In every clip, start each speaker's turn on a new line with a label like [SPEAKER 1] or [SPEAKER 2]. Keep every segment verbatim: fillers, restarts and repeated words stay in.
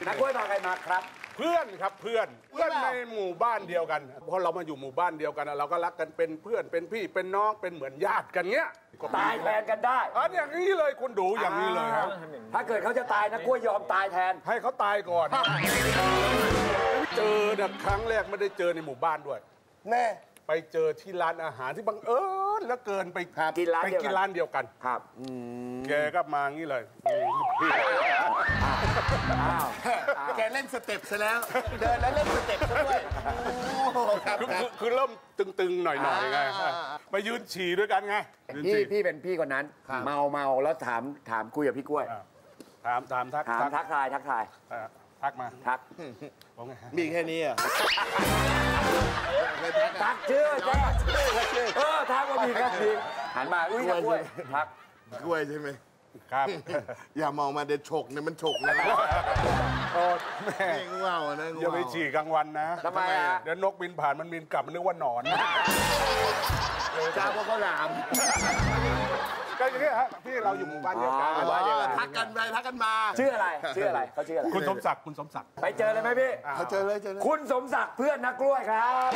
[SPEAKER 1] นักกล้วยมาใครมาครับ
[SPEAKER 2] เพื่อนครับเพื่อนเพื่อนในหมู่บ้านเดียวกันพอเรามาอยู่หมู่บ้านเดียวกันเราก็รักกันเป็นเพื่อนเป็นพี่เป็นน้องเป็นเหมือนญาติกันเงี้ย
[SPEAKER 1] ตายแทนกันได้
[SPEAKER 2] อันอย่างนี้เลยคุณดูอย่างนี้เลยครับ
[SPEAKER 1] ถ้าเกิดเขาจะตายนักกล้วยยอมตายแทน
[SPEAKER 2] ให้เขาตายก่อนเจอเนี่ยครั้งแรกไม่ได้เจอในหมู่บ้านด้วย
[SPEAKER 3] แน่
[SPEAKER 2] ไปเจอที่ร้านอาหารที่บังเอิญแล้วเกินไป
[SPEAKER 1] กินร้าน
[SPEAKER 2] ไปกินร้านเดียวกัน
[SPEAKER 1] ครับ
[SPEAKER 2] แกก็มางี้เลย
[SPEAKER 3] แกเล่นสเต็ปซะแล้วเดินแล้วเล่นสเต็ปซะด้วย
[SPEAKER 2] คือเริ่มตึงๆหน่อยๆไงไปยืนฉี่ด้วยกันไง
[SPEAKER 1] พี่พี่เป็นพี่คนนั้นเมาเมาแล้วถามถามคุยกับพี่กล้วย
[SPEAKER 2] ถามถามทัก
[SPEAKER 1] ถามทักทายทักทาย
[SPEAKER 2] ทักมา
[SPEAKER 1] ทัก
[SPEAKER 3] มีแค่นี้อ่ะ
[SPEAKER 1] ทักชื่อแจ๊เออทักว่ามีแค่นี้หันมาอุ้ยนักกล้วยทัก
[SPEAKER 3] กล้วยใช่ไหม
[SPEAKER 2] ครับ
[SPEAKER 3] อย่ามองมาเด็ดฉกเนี่ยมันฉกนะ
[SPEAKER 2] โอ้แม่
[SPEAKER 3] ง่วงนะ
[SPEAKER 2] อย่าไปฉี่กลางวันนะ
[SPEAKER 1] ทำไมอ่ะ
[SPEAKER 2] เดี๋ยวนกบินผ่านมันบินกลับมันนึกว่าหนอน
[SPEAKER 3] จ้าพวกเขาหลาม
[SPEAKER 2] ก็อย่างนี้ฮะพี่เราอยู่หมู่บ้านเดียวกัน
[SPEAKER 3] ทักกันไปทักกันมา
[SPEAKER 1] ชื่ออะไรชื่ออะไรเขาชื่ออะไร
[SPEAKER 2] คุณสมศักดิ์คุณสมศักดิ์
[SPEAKER 1] ไปเจอเลยไหมพี่
[SPEAKER 3] เขาเจอเลยเจอเลย
[SPEAKER 1] คุณสมศักดิ์เพื่อนนักกล้วยครับ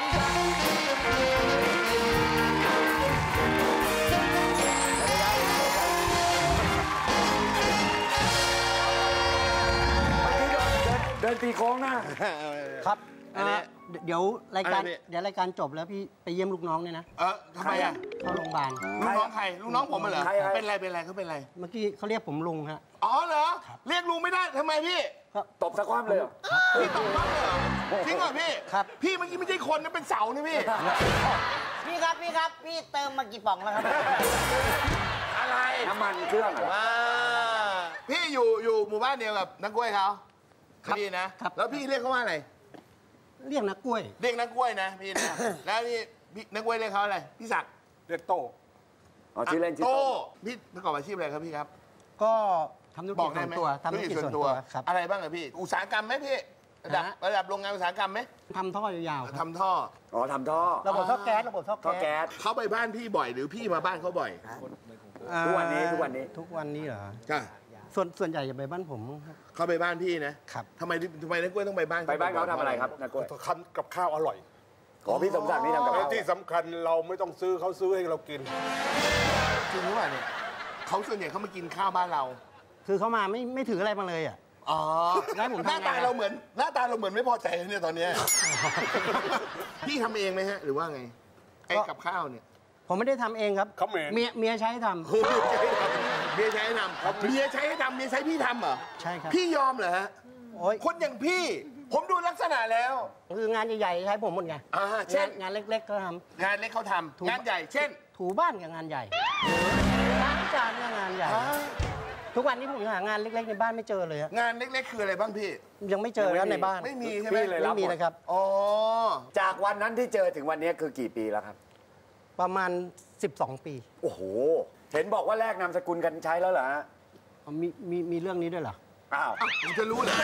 [SPEAKER 1] เดินตีโค้งนะครับ
[SPEAKER 4] เดี๋ยวรายการเดี๋ยวรายการจบแล้วพี่ไปเยี่ยมลูกน้องเนี่ยนะ
[SPEAKER 3] เออทำไมอ่ะ
[SPEAKER 4] เข้าโรงพยาบาล
[SPEAKER 3] ลูกน้องใครลูกน้องผมเหรอเป็นไรเป็นไรเขาเป็นไร
[SPEAKER 4] เมื่อกี้เขาเรียกผมลุงฮะ
[SPEAKER 3] อ๋อเหรอเรียกลุงไม่ได้ทำไมพี่
[SPEAKER 1] ตบสะความเลย
[SPEAKER 3] พี่ตบบ้างเหรอจริงเหรอพี่ครับพี่เมื่อกี้ไม่ใช่คนนะเป็นเสานะพี่
[SPEAKER 5] พี่ครับพี่ครับพี่เติมมากี่ป่องแล้วครับ
[SPEAKER 3] อะไร
[SPEAKER 1] น้ำมันเครื่องเหรอ
[SPEAKER 3] พี่อยู่อยู่หมู่บ้านเดียวกับนักกล้วยเขาพี่นะแล้วพี่เรียกเขาว่าอะไร
[SPEAKER 4] เรียกนักกล้วย
[SPEAKER 3] เรียกนักกล้วยนะพี่นะแล้วพี่พี่นักกล้วยเรียกเขาอะไรพี่ศักดิ์
[SPEAKER 2] เรียกโต้
[SPEAKER 1] อ๋อชื่อเล่นชื่อ
[SPEAKER 3] โต้พี่ประกอบอาชีพอะไรครับพี่ครับ
[SPEAKER 4] ก็ทำธุรกิจส่วนตัวทำธุรกิจส่วนตัวครับ
[SPEAKER 3] อะไรบ้างอะพี่อุตสาหกรรมไหมพี่ระดับระดับโรงงานอุตสาหกรรมไหม
[SPEAKER 4] ทำท่อยาว
[SPEAKER 3] ๆทำท่อ
[SPEAKER 1] อ๋อทำท่อ
[SPEAKER 4] ระบบท่อแก๊สระบบท่อ
[SPEAKER 1] แก๊ส
[SPEAKER 3] เขาไปบ้านพี่บ่อยหรือพี่มาบ้านเขาบ่อย
[SPEAKER 1] ทุกวันนี้ทุกวันนี้
[SPEAKER 4] ทุกวันนี้เหรอ
[SPEAKER 3] ใช่
[SPEAKER 4] ส่วนส่วนใหญ่จะไปบ้านผมครับ
[SPEAKER 3] เขาไปบ้านพี่นะครับทำไมทำไมนักกล้วยต้องไปบ้าน
[SPEAKER 1] ไปบ้านเขาทำอะไรครับนักกล้วย
[SPEAKER 2] ทำกับข้าวอร่อย
[SPEAKER 1] อ๋อพี่สมศักดิ์นี่ทำกับข้าว
[SPEAKER 2] ที่สำคัญเราไม่ต้องซื้อเขาซื้อให้เรากิน
[SPEAKER 3] จริงหรือเปล่าเนี่ยเขาส่วนใหญ่เขามากินข้าวบ้านเรา
[SPEAKER 4] คือเขามาไม่ไม่ถืออะไรมาเลยอ่ะ
[SPEAKER 3] อ๋อหน้าตาเราเหมือนหน้าตาเราเหมือนไม่พอใจเนี่ยตอนนี้พี่ทำเองไหมฮะหรือว่าไงไอ้กับข้าวเนี่ย
[SPEAKER 4] ผมไม่ได้ทำเองครับเมียเมียใช้ทำ
[SPEAKER 3] เมียใช้ให้ทำเมียใช้ให้ทำเมียใช้พี่ทำเหรอ
[SPEAKER 4] ใช่ครับ
[SPEAKER 3] พี่ยอมเหรอฮะคนอย่างพี่ผมดูลักษณะแล้ว
[SPEAKER 4] คืองานใหญ่ๆใช้ผมหมดไง
[SPEAKER 3] เช่น
[SPEAKER 4] งานเล็กๆเขาท
[SPEAKER 3] ำงานเล็กเขาทำงานใหญ่เช่น
[SPEAKER 4] ถูบ้านกับงานใหญ่ล้างจานกับงานใหญ่ทุกวันนี้ผมหางานเล็กๆในบ้านไม่เจอเลย
[SPEAKER 3] งานเล็กๆคืออะไรบ้างพี่
[SPEAKER 4] ยังไม่เจอแล้วในบ้าน
[SPEAKER 3] ไม่มีใช่ไหม
[SPEAKER 4] ไม่มีเลยครับ
[SPEAKER 3] อ๋อ
[SPEAKER 1] จากวันนั้นที่เจอถึงวันนี้คือกี่ปีแล้วครับ
[SPEAKER 4] ประมาณสิบสองปี
[SPEAKER 1] โอ้โหเห็นบอกว่าแลกนามสกุลกันใช้แล้วเหรอฮะ
[SPEAKER 4] มีมีมีเรื่องนี้ด้วยเหรอ
[SPEAKER 1] อ้าว
[SPEAKER 3] ผมจะรู้เลย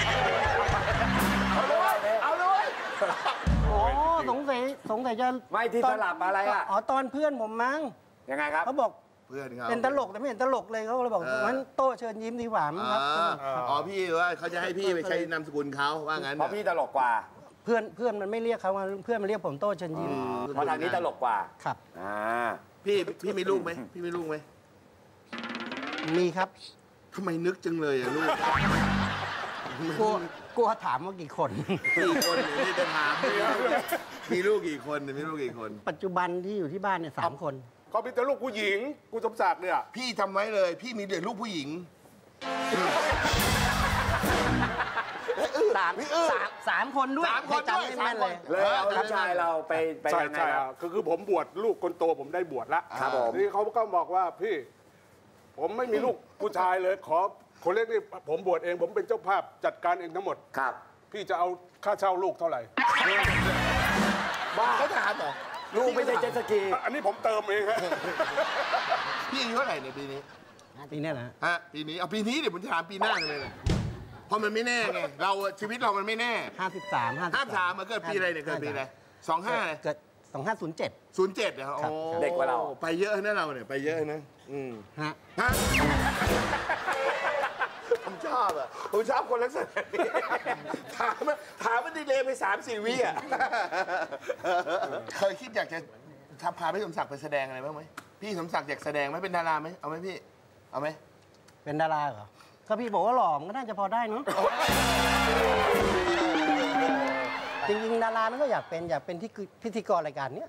[SPEAKER 1] เอาเลยเอาเลย
[SPEAKER 4] อ๋อสงสัยสงสัยจะ
[SPEAKER 1] ไม่ที่สลับอะไรอ่ะ
[SPEAKER 4] อ๋อตอนเพื่อนผมมั้ง
[SPEAKER 1] ยังไงครับ
[SPEAKER 4] เขาบอก
[SPEAKER 3] เพื่อนเขา
[SPEAKER 4] เป็นตลกแต่ไม่เห็นตลกเลยเขาเลยบอกงั้นโต้เชิญยิ้มดีกว่ามั้งครับ
[SPEAKER 3] อ๋อพี่ว่าเขาจะให้พี่ไปใช้นามสกุลเขาว่างั้น
[SPEAKER 1] เพราะพี่ตลกกว่า
[SPEAKER 4] เพื่อนเพื่อนมันไม่เรียกเขาเพื่อนมันเรียกผมโต้เชิญยิ้ม
[SPEAKER 1] เพราะทางนี้ตลกกว่า
[SPEAKER 4] ครับ
[SPEAKER 1] อ่า
[SPEAKER 3] พี่พี่มีลูกไหมพี่มีลูกไหม
[SPEAKER 4] มีครับ
[SPEAKER 3] ทำไมนึกจังเลยอะลูก
[SPEAKER 4] กลัวกลัวถามว่ากี่คน
[SPEAKER 3] กี่คนนี่จะถามมีลูกกี่คนมีลูกกี่คน
[SPEAKER 4] ปัจจุบันที่อยู่ที่บ้านเนี่ยสามคน
[SPEAKER 2] เขาเป็นแต่ลูกผู้หญิงกูสมศักดิ์เนี่ย
[SPEAKER 3] พี่ทำไว้เลยพี่มีแต่ลูกผู้หญิง
[SPEAKER 4] สามสามสามคนด้วย
[SPEAKER 3] สามคน
[SPEAKER 4] จำไม่แม่นเลย
[SPEAKER 1] เลยเอาลูกชายเราไปไปยังไงครับ
[SPEAKER 2] คือคือผมบวชลูกคนโตผมได้บวชแล้ว
[SPEAKER 1] ครับผม
[SPEAKER 2] นี่เขาก็บอกว่าพี่ผมไม่มีลูกผู้ชายเลยขอคนเล็กนี่ผมบวชเองผมเป็นเจ้าภาพจัดการเองทั้งหมด
[SPEAKER 1] ครับ
[SPEAKER 2] พี่จะเอาค่าเช่าลูกเท่าไหร่
[SPEAKER 3] บ้าเขาถามเหรอ
[SPEAKER 1] ลูกไม่ใช่เจ็ตสกี
[SPEAKER 2] อันนี้ผมเติมเองครับ
[SPEAKER 3] พี่อายุเท่าไหร่ในปีนี้
[SPEAKER 4] ปีนี้นะ
[SPEAKER 3] ฮะปีนี้เอาปีนี้เดี๋ยวผมจะถามปีหน้าเลยเพราะมันไม่แน่ไงเราชีวิตเรามันไม่แน่
[SPEAKER 4] ห้าสิบสามห้า
[SPEAKER 3] ห้าสามมาเกิดปีอะไรเนี่ยเกิดปีอะไรสองห้า
[SPEAKER 4] เกิดสองห้าศูนย์เจ็ด
[SPEAKER 3] ศูนย์เจ็ดเหรอ
[SPEAKER 1] เด็กกว่าเรา
[SPEAKER 3] ไปเยอะนะเราเนี่ยไปเยอะนะอืม
[SPEAKER 4] ฮะ
[SPEAKER 3] ฮะผมชอบอ่ะผมชอบคนลักษณะนี้ถามถามมันดีเลยไปสามสี่วิอ่ะเคยคิดอยากจะทำพาพี่สมศักดิ์ไปแสดงอะไรบ้างไหมพี่สมศักดิ์อยากแสดงไหมเป็นดาราไหมเอาไหมพี่เอาไหม
[SPEAKER 4] เป็นดาราเหรอก็พี่บอกว่าหล่อมันก็น่าจะพอได้เนาะจริงๆดารานั้นก็อยากเป็นอยากเป็นที่พิธีกรรายการเนี้ย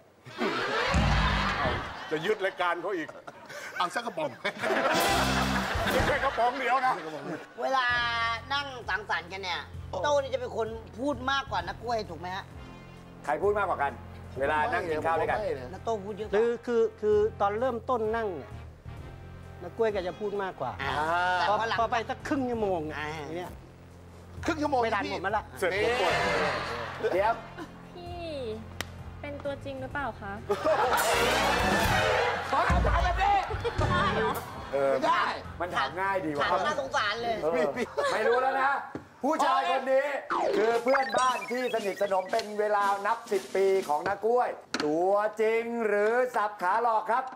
[SPEAKER 2] จะยึดรายการเขาอีก
[SPEAKER 3] เอาสักกระป๋อง
[SPEAKER 2] ไม่ใช่กระป๋องเดียวนะ
[SPEAKER 5] เวลานั่งสังสรรค์กันเนี่ยโต้นี่จะเป็นคนพูดมากกว่านักกล้วยถูกไหมฮะ
[SPEAKER 1] ใครพูดมากกว่ากัน เวลานั่งกินข้าวด้วยกัน
[SPEAKER 5] นักโต้พูดเยอะก
[SPEAKER 4] คื
[SPEAKER 5] ว่า
[SPEAKER 4] อคือคือตอนเริ่มต้นนั่งเนี่ยนักกล้วยก็จะพูดมากกว่า
[SPEAKER 5] อ่าแต่
[SPEAKER 4] พอ
[SPEAKER 5] พอหลัง
[SPEAKER 4] พอไปสักครึ่งชั่วโมง
[SPEAKER 5] อ่า
[SPEAKER 4] เนี่ย
[SPEAKER 3] ครึ่งชั่วโมง
[SPEAKER 4] ไม่ทัน
[SPEAKER 3] พี่
[SPEAKER 4] ผมมาละ
[SPEAKER 2] เสร็จผมปวด
[SPEAKER 1] เดี๋ยว
[SPEAKER 6] พี่เป็นตัวจริงหรือเปล่าคะ
[SPEAKER 3] ขอถามถามแบบนี้
[SPEAKER 6] ได้เหรอ
[SPEAKER 1] เออ
[SPEAKER 3] ไม่ได้
[SPEAKER 1] มันถามง่ายดีว่ะ
[SPEAKER 5] ถามน่าสงสารเลย
[SPEAKER 1] เออไม่รู้แล้วนะ ผู้ชายคนนี้คือเพื่อนบ้านที่สนิทสนมเป็นเวลานับสิบปีของนักกล้วย ตัวจริงหรือสับขาหลอกครับ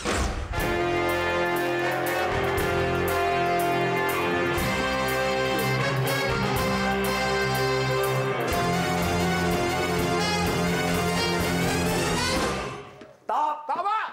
[SPEAKER 1] ตอบ
[SPEAKER 3] ตอบว่า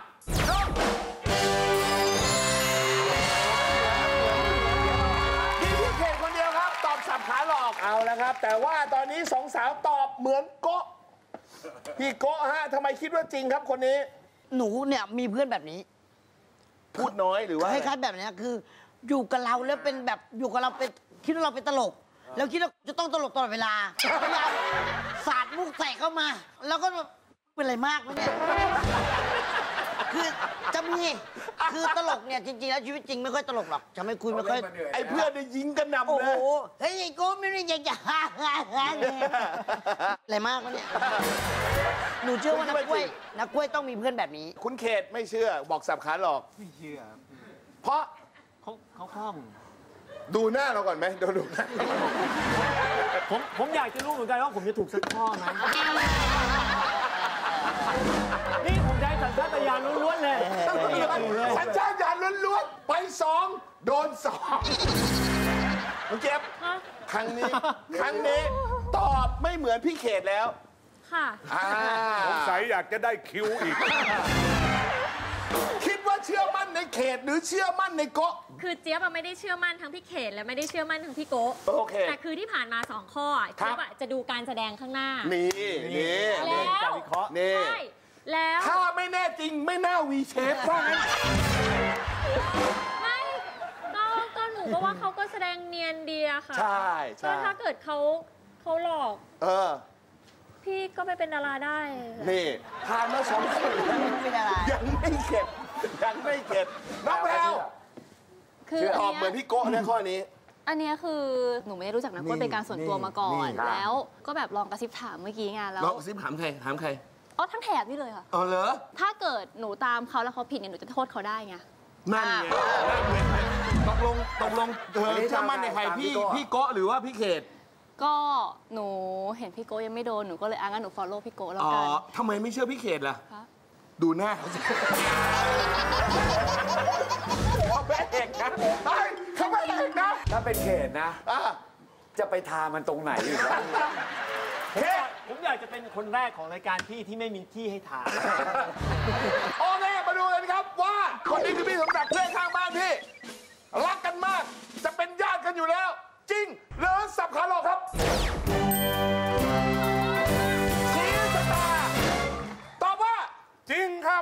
[SPEAKER 3] มีพี่เขตคนเดียวครับ ตอบสับขาหลอกเอาแล้วครับ แต่ว่าตอนนี้สองสาวตอบเหมือนโกะพี่โกะฮะทำไมคิดว่าจริงครับคนนี้
[SPEAKER 5] หนูเนี่ยมีเพื่อนแบบนี้
[SPEAKER 3] พูดน้อยหรือว่า
[SPEAKER 5] คล้ายๆแบบเนี้ยคืออยู่กับเราแล้วเป็นแบบอยู่กับเราเป็นคิดว่าเราเป็นตลก แล้วคิดว่าจะต้องตลกตลอดเวลาพยายามสาดมุกใส่เข้ามา แล้วก็แบบเป็นอะไรมากไหมเนี่ยคือจะมีคือตลกเนี่ยจริงๆแล้วชีวิตจริงไม่ค่อยตลกหรอกจะไม่คุยไม่ค่อย
[SPEAKER 3] ไอ้เพื่อนเนี่ยยิงกันนำ
[SPEAKER 5] โอ้
[SPEAKER 3] เล
[SPEAKER 5] โห
[SPEAKER 3] ย
[SPEAKER 5] เฮ้ยไอ้โก้ไม่ได้อยากจะฮ่าฮ่าฮ่าเลยอะไรมากวะเนี่ยหนูเชื่อว่านักกล้วยนักกล้วยต้องมีเพื่อนแบบนี้
[SPEAKER 3] คุณเขตไม่เชื่อบอกสับขาหลอก
[SPEAKER 4] ไม่เชื่อ
[SPEAKER 3] เพราะ
[SPEAKER 4] เขาเขาคล่อง
[SPEAKER 3] ดูหน้าเราก่อนไหมดูดูหน้า
[SPEAKER 4] ผมผมอยากจะรู้เหมือนกันว่าผมจะถูกสักข้อไหมนี่ผมใช้สัญชาตญาณล้วนๆเลยเลย
[SPEAKER 3] สัญชาตญาณล้วนๆไปสองโดนสองคุณเก็บ
[SPEAKER 6] ฮะ
[SPEAKER 3] ครั้งนี้ ครั้งนี้ ตอบไม่เหมือนพี่เขตแล้ว
[SPEAKER 6] ค่ะ
[SPEAKER 3] อ่า
[SPEAKER 2] สงสัยอยากจะได้คิวอีก
[SPEAKER 3] คิดว่าเชื่อมั่นในเขตหรือเชื่อมั่นในโกะ
[SPEAKER 6] คือเจี๊ยบอะไม่ได้เชื่อมั่นทั้งพี่เขตและไม่ได้เชื่อมั่นทั้งพี่โกะ
[SPEAKER 3] โอเค
[SPEAKER 6] แต่คือที่ผ่านมาสองข้ออะ
[SPEAKER 3] ครับ
[SPEAKER 6] เจี๊ยบอะจะดูการแสดงข้างหน้า
[SPEAKER 3] นี่นี่
[SPEAKER 6] แล้ว
[SPEAKER 4] การวิเคราะห์
[SPEAKER 3] นี่
[SPEAKER 6] ใช่แล้ว
[SPEAKER 3] ถ้าไม่แน่จริงไม่น่าวีเชฟว่างั้น
[SPEAKER 6] ไม่ก็ก็หนูก็ว่าเขาก็แสดงเนียนดีอะค่ะ
[SPEAKER 3] ใช่
[SPEAKER 6] ก็
[SPEAKER 3] ใช่
[SPEAKER 6] ถ้าเกิดเขาเขาหลอก
[SPEAKER 3] เออ
[SPEAKER 6] พี่ก็ไปเป็นดาราได้
[SPEAKER 3] นี่ผ่านมาสองคนแล้ว
[SPEAKER 5] ไม่เป็นอะไร
[SPEAKER 3] ยังไม่เข็ดยังไม่เข็ดน้องแพรว
[SPEAKER 7] คือ
[SPEAKER 3] ต
[SPEAKER 7] อั
[SPEAKER 3] อบ
[SPEAKER 7] น
[SPEAKER 3] เหมือน
[SPEAKER 7] เนี้ย
[SPEAKER 3] พี่โก้นะข้อนี้
[SPEAKER 7] อันเนี้ยคือหนูไม่ได้รู้จักนักกล้วยเป็นการส่วนตัวมาก่อน
[SPEAKER 3] นี่
[SPEAKER 7] แล้วก็แบบลองกระซิบถามเมื่อกี้ไงแล้ว
[SPEAKER 3] น้องซิมถามใครถามใคร
[SPEAKER 7] อ๋อทั้งแถบนี่เลยค่ะ
[SPEAKER 3] อ๋อเหรอ
[SPEAKER 7] ถ้าเกิดหนูตามเขาแล้วเขาผิดเนี่ยหนูจะโทษเขาได้ไง
[SPEAKER 3] นั่นไงนั่นไงตกลงตกลงเธอเชื่อมั่นในใครพี่พี่โก้หรือว่าพี่เขต
[SPEAKER 7] ก็หนูเห็นพี่โก้ยังไม่โดนหนูก็เลยอ่ะงั้นหนู follow พี่โก้แล้ว
[SPEAKER 3] อ๋อ
[SPEAKER 7] กัน
[SPEAKER 3] ทำไมไม่เชื่อพี่เขตล่ะ
[SPEAKER 7] คะ
[SPEAKER 3] ดูหน้าเขาสิเขาแม่เอกนะเฮ้ยเขาแม่เอกนะ
[SPEAKER 1] ถ้าเป็นเขตนะ
[SPEAKER 3] อ่ะ
[SPEAKER 1] จะไปทามันตรงไหนอีกวะ
[SPEAKER 3] เขต
[SPEAKER 4] ผมอยากจะเป็นคนแรกของรายการพี่ที่ไม่มีที่ให้ถ่าย
[SPEAKER 3] โอเคมาดูกันครับว่าคนนี้คือพี่สมศักดิ์เพื่อนข้างบ้านพี่ รักกันมาก จะเป็นญาติกันอยู่แล้ว จริงหรือสับขาหลอกครับชี้ชะตาตอบว่า
[SPEAKER 2] จริงครับ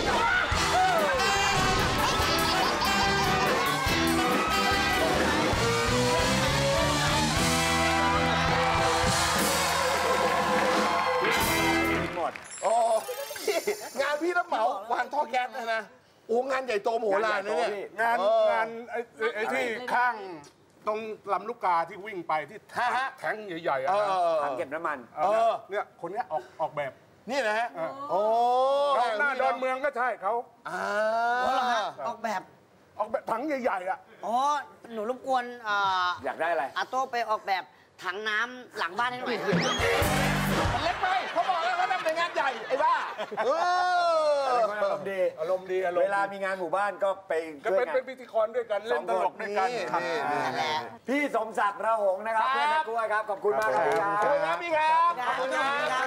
[SPEAKER 1] หมด
[SPEAKER 3] โอ้พี่งานพี่รับเหมาวางท่อแก๊สนะนะโอ้งานใหญ่โตมโหฬารนะเนี่ย
[SPEAKER 2] งาน
[SPEAKER 3] เออ
[SPEAKER 2] งานไอ้ไอ้ไอ้ที่ข้างตรงลำลูกกาที่วิ่งไปที่
[SPEAKER 3] ฮะฮะ
[SPEAKER 2] แทงใหญ่ๆอะ
[SPEAKER 3] เอ
[SPEAKER 2] นะ
[SPEAKER 3] อ
[SPEAKER 1] ถังเก็บน้ำมัน
[SPEAKER 2] เออเนี่ยคนเนี้ยออกออกแบบ
[SPEAKER 3] นี่นะฮะ โอ้
[SPEAKER 2] เราหน้าดอนเมืองก็ใช่เขา
[SPEAKER 3] อ่า
[SPEAKER 5] อ๋อเหรอฮะออกแบบ
[SPEAKER 2] ออกแบบถังใหญ่ๆอ่ะ
[SPEAKER 5] อ๋อหนูรบกวนอ่า
[SPEAKER 1] อยากได้อะไร
[SPEAKER 5] อาโต้ไปออกแบบถังน้ำหลังบ้านให้หน่อย
[SPEAKER 3] มันเล็กไปเขาบอกแล้วเขาทำในงานใหญ่ไอ้บ้าเออ
[SPEAKER 1] เป็นคนอารมณ์ดี
[SPEAKER 2] อารมณ์ดีอารมณ์
[SPEAKER 1] เวลามีงานหมู่บ้านก็ไป
[SPEAKER 2] ก็
[SPEAKER 1] ช่วย
[SPEAKER 2] เป็น
[SPEAKER 1] งาน
[SPEAKER 2] เป็นพิธีกรด้วยกันเล่นตลกด้วยกัน
[SPEAKER 3] นี่
[SPEAKER 2] ครับ
[SPEAKER 3] นี่นี่
[SPEAKER 5] นั่นแหละ
[SPEAKER 1] พี่สมศักดิ์ระหงส์นะครับ
[SPEAKER 3] ครับ
[SPEAKER 1] เพื่อนนักกล้วยครับ ขอบคุณมากครับพี่ค
[SPEAKER 3] ขอบคุณค
[SPEAKER 1] รั
[SPEAKER 3] รั
[SPEAKER 1] บบ
[SPEAKER 3] พี่ครับขอบคุณครับ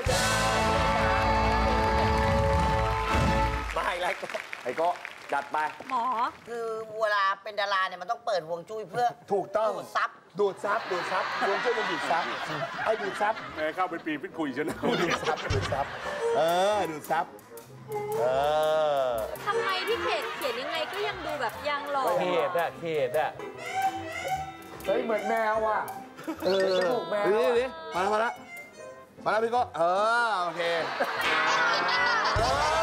[SPEAKER 1] มาอีกแล้วไอ้โก็จัดไป
[SPEAKER 6] หมอ
[SPEAKER 5] คือเวลาเป็นดาราเนี่ยมันต้องเปิดห่วงจุ้ยเพื่อ
[SPEAKER 3] ถูกต้อง
[SPEAKER 5] ดูดซับ
[SPEAKER 3] ดูดซับดูดซับดวงช่วยมันดูดซับไอ้ดูดซับ
[SPEAKER 2] แม่เข้าไปปีพิษคุยชนะ
[SPEAKER 3] ดูดซับดูดซับเออดูดซับเออ
[SPEAKER 6] ทำไมพี่เขตเขียนยังไงก็ยังดูแบบยังหล่อ
[SPEAKER 8] เขตอะเขตอะ
[SPEAKER 1] เฮ้ยเหมือนแมวว่ะ
[SPEAKER 3] เออ
[SPEAKER 1] จมูกแมว
[SPEAKER 3] นี่
[SPEAKER 1] อะ
[SPEAKER 3] นี่มาแล้วมาแล้วมาแล้วพี่ก็เออโอเคเออ